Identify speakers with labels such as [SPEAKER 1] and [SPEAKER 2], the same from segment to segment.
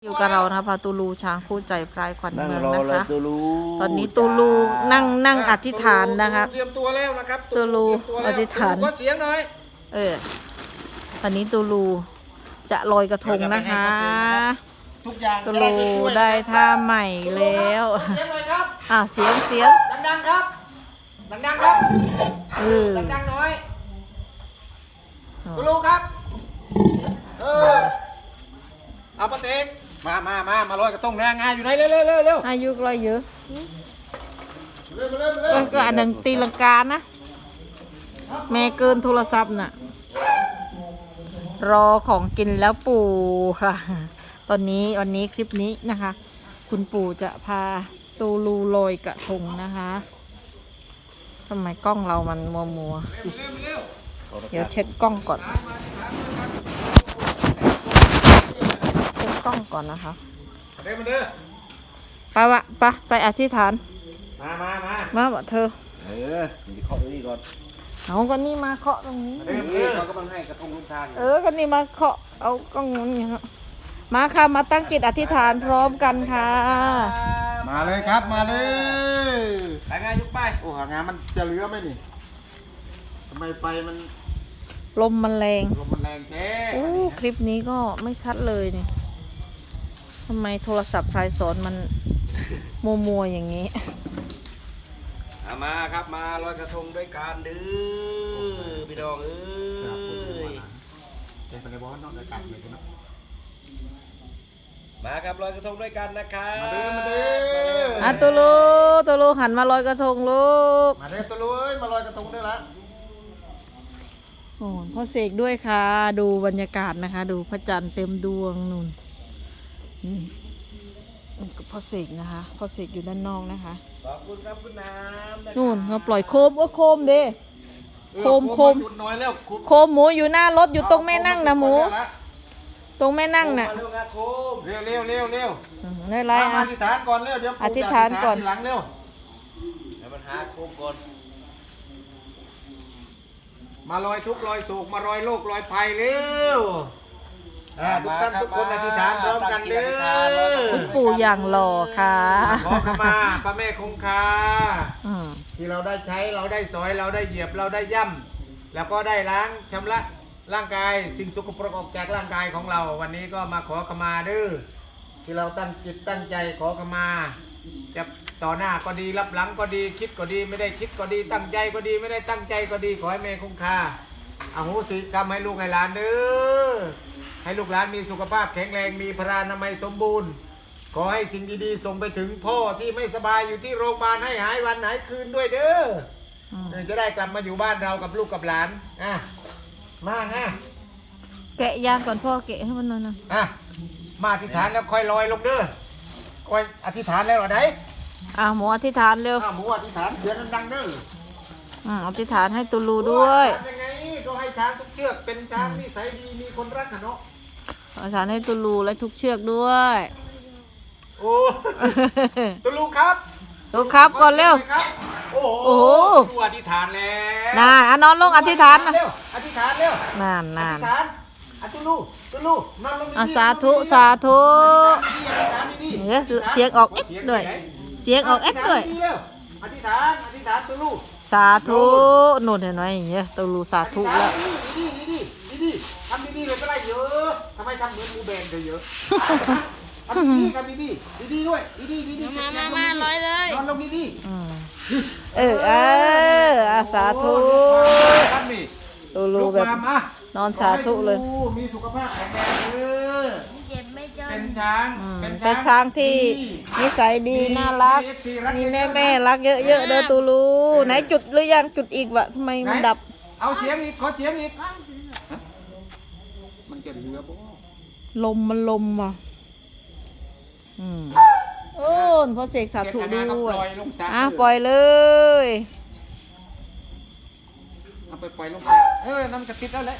[SPEAKER 1] อยู่กับเรานะคะพาตูลูช้างคู่ใจพรายขวัญเมืองนะคะตอนนี้ตูลูนั่งอธิษฐานนะคะ
[SPEAKER 2] เตรียมตัวแล้วนะครับ
[SPEAKER 1] ตูลูอธิษฐาน
[SPEAKER 2] ขอเสียงหน่อย
[SPEAKER 1] ตอนนี้ตูลูจะลอยกระทงนะคะ
[SPEAKER 2] ทุกอย่าง
[SPEAKER 1] ตูลูได้ท่าใหม่แล้ว
[SPEAKER 2] เสียงหน่อยครับ
[SPEAKER 1] เสียง
[SPEAKER 2] ดังๆครับดังๆครับดังๆหน่อยตูลูครับเอาปะเต็กมาลอยกระทงแรงงานอยู่ไหนเร็ว
[SPEAKER 1] อายุลอยเยอะ
[SPEAKER 2] เร็ว
[SPEAKER 1] ก็อันหนึ่งตีลังกานะแม่เกินโทรศัพท์น่ะรอของกินแล้วปู่ค่ะวันนี้คลิปนี้นะคะ คุณปู่จะพาตูลูลอยกระทงนะคะทำไมกล้องเรามันมัวเดี๋ยวเช็ดกล้องก่อนเช็ดกล้องก่อนนะคะไปอธิษฐานมาบอกเธอ
[SPEAKER 2] เคาะนี่ก่อน
[SPEAKER 1] เอาก็นี่มาเคาะตรงนี้
[SPEAKER 2] เขากำลังให้กระทงลงทาง
[SPEAKER 1] ก็นี่มาเคาะเอากล้องนี้มาค่ะมาตั้งจิตอธิษฐานพร้อมกันค่ะ
[SPEAKER 2] มาเลยครับมาเลยหางานยุกไปโอ้หางานมันจะเหลือไหมนี่ทำไมไฟมัน
[SPEAKER 1] ลมมันแรง
[SPEAKER 2] แท้
[SPEAKER 1] คลิปนี้ก็ไม่ชัดเลยนี่ทำไมโทรศัพท์พลายสอนมันมัวอย่างนี้
[SPEAKER 2] มาครับมาลอยกระทงด้วยกันดื้อพี่ดองเป็นไปในบ้านนอกอากาศเลยนะมาครับลอยกระทงด้วยกันนะครับ
[SPEAKER 1] มาตูลูหันมาลอยกระทงลูก
[SPEAKER 2] มาเด้อตูลูมาลอยกระทงด้วยละ
[SPEAKER 1] โอ้พ่อเสกด้วยค่ะดูบรรยากาศนะคะดูพระจันทร์เต็มดวงนู่นพ่อเสกนะคะพ่อเสกอยู่ด้านนอกนะคะ
[SPEAKER 2] ขอบคุณครับคุณน้ำ
[SPEAKER 1] นู่นเราปล่อยโคมโคมเด้โคมหมูอยู่หน้ารถอยู่ตรงแม่นั่งนะหมูตรงแม่นั่งน่ะ
[SPEAKER 2] เร็ว
[SPEAKER 1] ได้ไร
[SPEAKER 2] อธิษฐานก่อนเร็วเดี๋ยว
[SPEAKER 1] อธิษฐานก่อน
[SPEAKER 2] หลังเร็วเดี๋ยวมันหาโคมก่อนมาลอยทุกลอยโศกมาลอยโลกลอยภัยเร็วทุกท่านทุกคนอธิษฐานพร้อมกันเด้อ
[SPEAKER 1] คุณปู่อย่างหล่อค่ะ
[SPEAKER 2] ขอขมาพระแม่คงคาที่เราได้ใช้เราได้สอยเราได้เหยียบเราได้ย่ำแล้วก็ได้ล้างชำระร่างกายสิ่งสกปรกออกจากร่างกายของเราวันนี้ก็มาขอขมาเด้อที่เราตั้งจิตตั้งใจขอขมาจะต่อหน้าก็ดีรับหลังก็ดีคิดก็ดีไม่ได้คิดก็ดีตั้งใจก็ดีไม่ได้ตั้งใจก็ดีขอให้แม่คงคาอโหสิกรรมให้ลูกให้หลานเด้อให้ลูกหลานมีสุขภาพแข็งแรงมีพลานามัยสมบูรณ์ขอให้สิ่งดีๆส่งไปถึงพ่อที่ไม่สบายอยู่ที่โรงพยาบาลให้หายวันหายคืนด้วยเด้อจะได้กลับมาอยู่บ้านเรากับลูกกับหลานมา
[SPEAKER 1] แกะยางก่อนพ่อแกะให้มันหน่อยนะ
[SPEAKER 2] มาอธิษฐานแล้วค่อยลอยลงเด้อค่อยอธิษฐานแล้วอะไร
[SPEAKER 1] หมูอธิษฐานเร็ว
[SPEAKER 2] หมูอธิษฐานเสียงดังเด้อ
[SPEAKER 1] อธิษฐานให้ตูลูด้วย
[SPEAKER 2] ยังไงก็ให้ช้างทุกเชือกเป็นช้างนิสัยดีมีคนรักเนาะ
[SPEAKER 1] อธิษฐานให้ตูลูและทุกเชือกด้วย
[SPEAKER 2] โอ้ตูลูครับ
[SPEAKER 1] ก่อนเร็ว
[SPEAKER 2] โอ้โหอธิษฐาน
[SPEAKER 1] แล้วนอนลงอธิษฐานนะ
[SPEAKER 2] อธิษฐานเร็วน
[SPEAKER 1] าน
[SPEAKER 2] ตูลูนอนลง
[SPEAKER 1] สาธุเสียงออกเอ็ดด้วยอ
[SPEAKER 2] ธิษฐานตูลู
[SPEAKER 1] สาธุโน่นเห็นไหมอย่างเงี้ยตูลูสาธุแล้ว
[SPEAKER 2] ดีทำดีเลยก็ได้เยอะทำไมทำเหมือนมูแบนเยอะทำดีด้วยดี
[SPEAKER 3] มาร้อยเลย
[SPEAKER 2] นอนลงดี
[SPEAKER 1] สาธุตูลูแบบนอนสาธุเลย
[SPEAKER 2] มีสุขภาพแข็งแรงเป็น
[SPEAKER 1] ช้างที่นิสัยดีน่ารักมีแม่รักเยอะๆเด้อตูลูไหนจุดหรือยังจุดอีกวะทำไมมันดับ
[SPEAKER 2] เอาเสียงอีกขอเสียงอีกมันจะเหลือบ่
[SPEAKER 1] ลมว่ะพอเสกสาธุด้วยปล่อยเลย
[SPEAKER 2] เอาไปปล่อยลงน้ำกระติดแล้วแหละ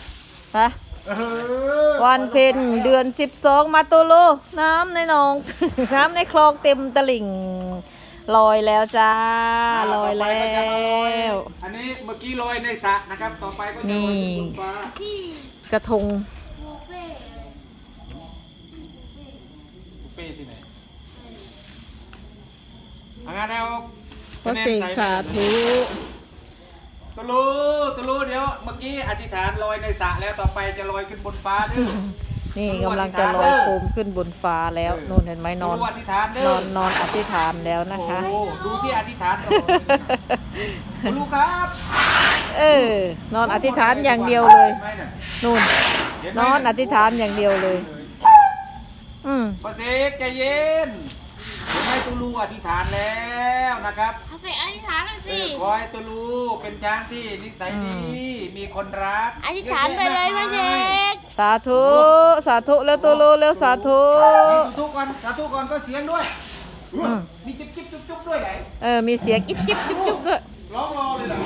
[SPEAKER 1] วันเพ็ญเดือน12มาตูลูน้ำในหนองน้ำในคลองเต็มตลิ่งลอยแล้วจ้าลอยแล้ว
[SPEAKER 2] อันนี้เมื่อกี้ลอยในสระนะครับต่อไปก็จะลอยบนฟ้าก
[SPEAKER 1] ระทง
[SPEAKER 2] ป้ที่ไหนงานเอา
[SPEAKER 1] พระเสกสาธุ
[SPEAKER 2] ตุลูเดี๋ยวเมื่อกี้อธิษฐานลอยในสระแล้วต่อไปจะลอยขึ้นบนฟ้าด้วย
[SPEAKER 1] นี่กำลังจะลอยโคมขึ้นบนฟ้าแล้วนู่นเห็นไหมนอน
[SPEAKER 2] ตุลูอธิษฐานเด้อน
[SPEAKER 1] อนอธิษฐานแล้วนะคะ
[SPEAKER 2] โอ้โหดูสิอธิษฐานก่อนตุลูครับ
[SPEAKER 1] นอนอธิษฐานอย่างเดียวเลย
[SPEAKER 2] ห็นไหมนี่
[SPEAKER 1] นู่น
[SPEAKER 2] เห็ไหม
[SPEAKER 1] นอนอธิษฐานอย่างเดียวเลย
[SPEAKER 2] พระเสกใจเย็นเดี๋ยวให้ตุลูอธิษฐานแล้วนะครับ
[SPEAKER 3] เอาใส่อธิษฐานหน่อยสิ
[SPEAKER 2] ขอให้ตุลูเป็นช้างที่นิสัยดีมีคนรัก
[SPEAKER 3] อธิษฐานไปเลยพระเด็ก
[SPEAKER 1] สาธุสาธุแล้วตัวรู้แล้วสาธุ
[SPEAKER 2] สาธุก่อนสาธุก่อนก็เสียงด้วยมีจิ๊บจิ๊บจุ๊บจุ๊บด้วยไหน
[SPEAKER 1] มีเสียงกิ๊บกิ๊บจุ๊บจุ๊บด้วย
[SPEAKER 2] ร้องรอเลยเหรอ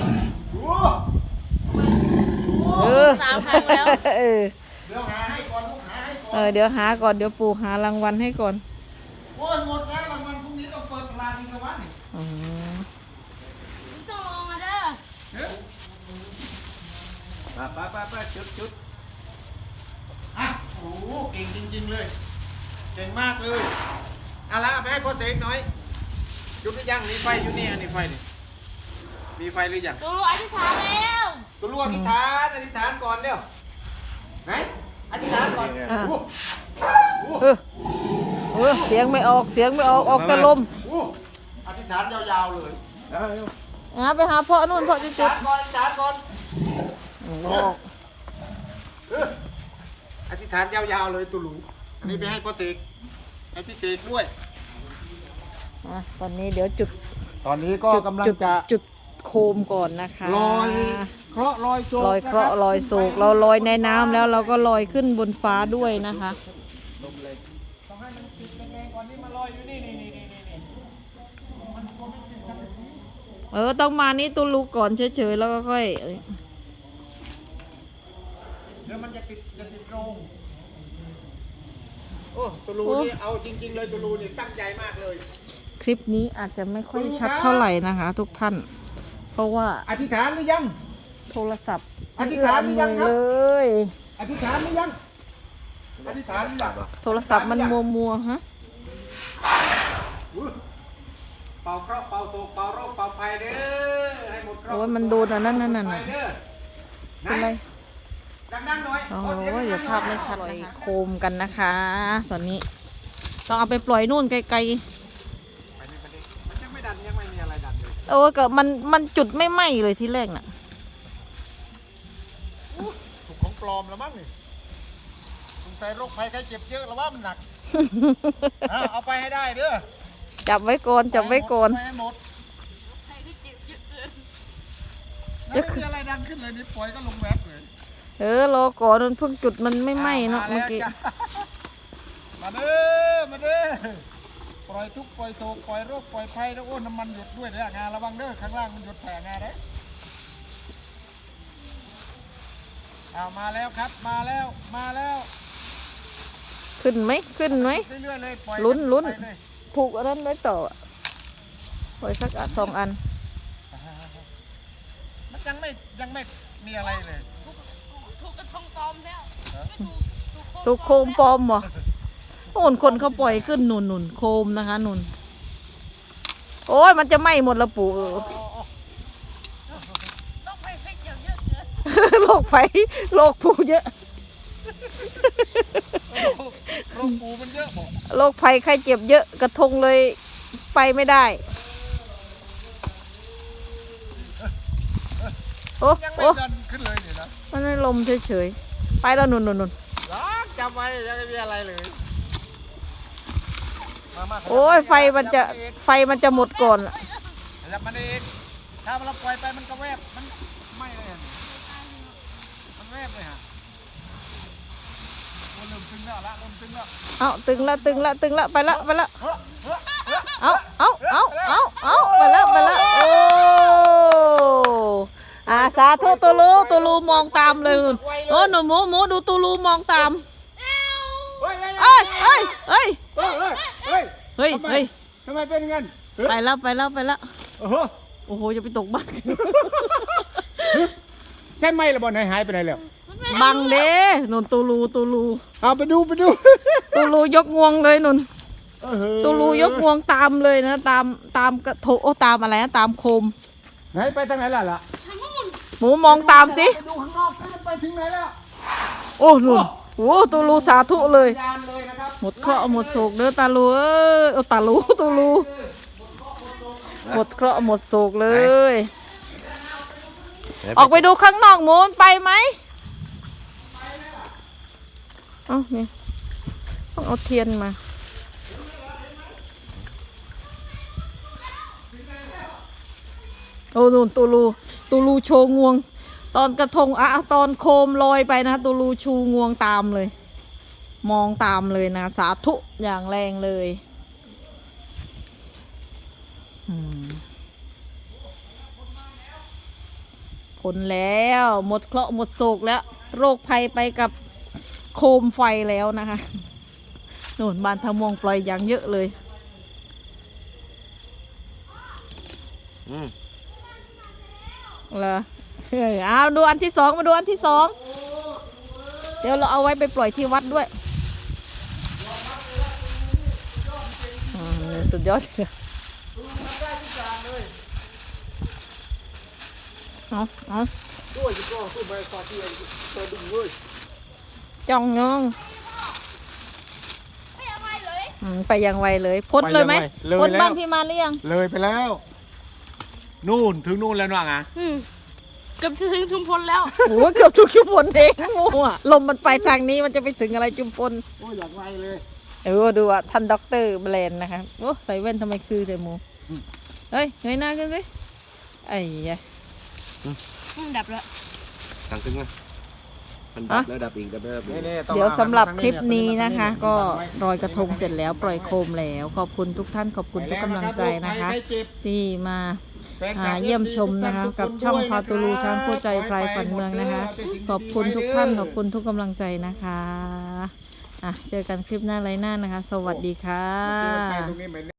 [SPEAKER 2] โอ้
[SPEAKER 3] สามครั้งแล้ว
[SPEAKER 1] เออ
[SPEAKER 2] เดี๋ยวหาให้ก่อนลูกหาให้ก่อน
[SPEAKER 1] เดี๋ยวหาก่อนเดี๋ยวปู่หารางวัลให้ก่อน
[SPEAKER 2] โอ้ยหมดแล้วรางวัลพรุ่งนี้ต้องเปิดตลาดอีกแล้ววะนี่
[SPEAKER 1] อืม
[SPEAKER 3] ต้องลงมาเด้อ
[SPEAKER 2] ไปจุดอ่ะโอ้โหเก่งจริงๆเลยเก่งมากเลยเอาละเอาไปให้พ่อเสกหน่อยจุดหรือยังนี่ไฟอยู่นี่อันนี้ไฟนี่มีไฟหรือยัง
[SPEAKER 3] ตูอธิษฐานแล้ว
[SPEAKER 2] ตุลูอธิษฐานก่อนเร็วไหนอธิษฐานก่อนโอ้โห
[SPEAKER 1] เสียงไม่ออกเสียงไม่ออกออกแต่ลม
[SPEAKER 2] โอ้อธิษฐานยาวๆเลย
[SPEAKER 1] ไปหาพ่อนู่นพ่อจะ
[SPEAKER 2] อธิษ
[SPEAKER 1] จุด
[SPEAKER 2] ฐานก่อนอธิษฐานก่อน
[SPEAKER 1] ออก
[SPEAKER 2] อธิษฐานยาวๆเลยตุลูอันนี้ไปให้พ่อเสกให้พี่เสกด้วย
[SPEAKER 1] ตอนนี้เดี๋ยวจุด
[SPEAKER 2] ตอนนี้ก็กำลังจะ
[SPEAKER 1] จุดโคมก่อนนะคะ
[SPEAKER 2] ลอยเคราะห์ลอยโศก
[SPEAKER 1] ลอยเคราะห์ลอยโศกเราลอยในน้ำแล้วเราก็ลอยขึ้นบนฟ้าด้วยนะคะ
[SPEAKER 2] ต้องให้มันติดยังไงก่อนนี่มาลอยอยู่นี่
[SPEAKER 1] ต้องมานี่ตุลูก่อนเฉยๆแล้วก็ค่อย
[SPEAKER 2] เดี๋ยวมันจะติดโรงโอ้ตุลูนี่เอาจริงๆเลยตุลูนี่ตั้งใจมากเลย
[SPEAKER 1] คลิปนี้อาจจะไม่ค่อยชัดเท่าไหร่นะคะ ทุกท่าน เพราะว่า
[SPEAKER 2] อธิษฐานหรือยัง
[SPEAKER 1] โทรศัพท์
[SPEAKER 2] อธิษฐานหรือยังครับ
[SPEAKER 1] เลย
[SPEAKER 2] อธิษฐานหรือยังอธิษฐานหรือยัง
[SPEAKER 1] โทรศัพท์มันมัวๆฮะ
[SPEAKER 2] เป่าเคราะห์เป่าโศกเป่าโรคเป่าภัยเด้อให้หมดเคราะห์
[SPEAKER 1] โอ้ยมันโดนอันนั้นนั่น
[SPEAKER 2] ภั
[SPEAKER 1] น่ะ
[SPEAKER 2] ยเด้อ
[SPEAKER 1] เป็นไร
[SPEAKER 2] ดังๆหน่อย
[SPEAKER 1] โอ้
[SPEAKER 2] ขอเสียง
[SPEAKER 1] ย
[SPEAKER 2] ดังๆหน่อย
[SPEAKER 1] เดี๋ยวภาพไม่ชัดนะคะโคมกันนะคะ ตอนนี้ ต้องเอาไปปล่อยนู่นไกล
[SPEAKER 2] ไปนี่มันยังไม่ดันยังไม่มีอะไรดันเลย
[SPEAKER 1] ๆก็มันจุดไม่ไหม้เลยที่แรกน่ะ
[SPEAKER 2] ถูกของปลอมแล้วมั้งนี่สงสัยโรคภัยไข้เจ็บเยอะแล้วว่ามันหนัก เอาไปให้ได้เด้อ
[SPEAKER 1] จับไว้ก่อนจับไว้ก่อน
[SPEAKER 2] ไปให้หมด
[SPEAKER 3] ใครที่เจ็บเยอะเกิน
[SPEAKER 2] แล้วไม่มีอะไรดันขึ้นเลยนี่ปล่อยก็ลงแวบเลย
[SPEAKER 1] รอก่อนมันเพิ่งจุดมันไม่ไหม้เนาะเมื่อกี้
[SPEAKER 2] มาเด้อมาเด้อปล่อยทุกข์ปล่อยโศกปล่อยโรคปล่อยภัยแล้วโอ้น้ำมันหยดด้วยเด้องานระวังเด้อข้างล่างมันหยดแผ่งานเด้เอามาแล้วครับมาแล้ว
[SPEAKER 1] ขึ้นไหมขึ้นไหม
[SPEAKER 2] เรื่อยๆเลยปล่อย
[SPEAKER 1] ลุ้น
[SPEAKER 2] ไปเลย
[SPEAKER 1] ผูกอันนั้นไว้ต่อปล่อยสักสองอัน
[SPEAKER 2] มันยังไม่มีอะไรเลย
[SPEAKER 3] ถูกกระทงปลอมแล้วไม่ถูก
[SPEAKER 1] ถูกโคมปลอมเหรอโน่นคนเขาปล่อยขึ้นนุ่นโคมนะคะนุ่นโอ้ยมันจะไหม้หมดละปู่
[SPEAKER 3] ต้องไปให้เกี่ยวเยอะเกิน
[SPEAKER 1] โรคไฟโรคปูเยอะ
[SPEAKER 2] โรคปูมันเยอะบอก
[SPEAKER 1] โรคภัยไข้เจ็บเยอะกระทงเลยไปไม่ได้โอ้
[SPEAKER 2] ยังไม่
[SPEAKER 1] โอ้
[SPEAKER 2] ดันขึ้นเลยนี่นะ
[SPEAKER 1] มันไม่ลมเฉยๆไปแล้วนุ่น
[SPEAKER 2] ล็อกจำไว้ยังไม่มีอะไรเลยมา
[SPEAKER 1] โอ้ยไฟมันจะหมดก่อน
[SPEAKER 2] ขยับมันเองถ้าเราปล่อยไปมันก็แวบมันไม่เลยอะมันแวบเลยฮะโอ้เริ่มตึงแล้วละเริ่มตึงแล้ว
[SPEAKER 1] เอาตึงละไปละเอาไปละโอ้สาธุตูลูมองตามเลยนุ่นโอ้หนูหมูดูตูลูมองตาม
[SPEAKER 2] เฮ้ย
[SPEAKER 1] เอ้ย
[SPEAKER 2] เฮ้ย ทำไมเป็นงั้น
[SPEAKER 1] ไปแล้ว
[SPEAKER 2] โอ้โห
[SPEAKER 1] โอ้โหจะไปตกบ้าน
[SPEAKER 2] ใช่ไหมละบอลหายไปไหนแล้ว
[SPEAKER 1] บังเด้นุ่นตูลู
[SPEAKER 2] เอาไปดู
[SPEAKER 1] ตูลูยกงวงเลยนุ่นตูลูยกงวงตามเลยนะ ตามกระทงโอ้ตามอะไรนะตามโคม
[SPEAKER 2] ไหนไปทางไหนล่ะ
[SPEAKER 1] หมูมองตามสิ
[SPEAKER 2] ไปดูข้างนอกสิไปถึงไหนแล้ว
[SPEAKER 1] โอ้นุ่นโอ้ตูลูสาธุเลย
[SPEAKER 2] ยานเลยนะครับ
[SPEAKER 1] หมดเคราะห์หมดโศกเด้อตาลูเอ้ยเอาตาลูตูลูหมดเคราะห์หมดโศกเลย ออกไปดูข้างนอกหมูนไปไหมเอ้านี่ต้องเอาเทียนมาโอ้นู่นตูลูโชว์งวง ตอนกระทงอะตอนโคมลอยไปนะตูลูชูงวงตามเลย มองตามเลยนะสาธุอย่างแรงเลยผลแล้วหมดเคราะห์หมดโศกแล้ว โรคภัยไปกับโคมไฟแล้วนะคะโน่นบ้านทะมวงปล่อยอย่างเยอะเลยเหรอเอาดูอันที่สองมาดูอันที่สองเดี๋ยวเราเอาไว้ไปปล่อยที่วัดด้วยสุดยอดเลยเอา
[SPEAKER 2] ด้วยก็สู้ไปต่อที่ตัวดึงเว้ย
[SPEAKER 1] จ้องงง
[SPEAKER 3] ไม่เอาไปเลย
[SPEAKER 1] ไปยังไวเลยพ้นเลยไหมพ้นบ้านพี่มานหรือยัง
[SPEAKER 2] เลยไปแล้ว นู่นถึงนู่นแล้วน่ะไง
[SPEAKER 3] เกือบจะถึงชุมพลแล้ว
[SPEAKER 1] โอ้เกือบทุกชุมพลเองมั่วลมมันไปทางนี้มันจะไปถึงอะไรชุมพล
[SPEAKER 2] โอ้ยอยากไวเลย
[SPEAKER 1] ดูอ่ะท่านด็อกเตอร์แบรนด์นะคะโอ้ใส่แว่นทำไมคือแต่หมูเฮ้ยเงยหน้าขึ้นสิไอ้ยะ
[SPEAKER 3] ดับแล้ว
[SPEAKER 4] ทางตึงไหมมันดับแล้วดับอีกดับแล้วดับอีก
[SPEAKER 1] เดี๋ยวสำหรับคลิปนี้นะคะ ก็ลอยกระทงเสร็จแล้วปล่อยโคมแล้วขอบคุณทุกท่านขอบคุณทุกกำลังใจนะคะ ที่มาเยี่ยมชมนะคะกับช่องพาตูลูช้างคู่ใจพลายฝันเมืองนะคะ ขอบคุณทุกท่านขอบคุณทุกกำลังใจนะคะเจอกันคลิปหน้าไรหน้านะคะ สวัสดีค่ะ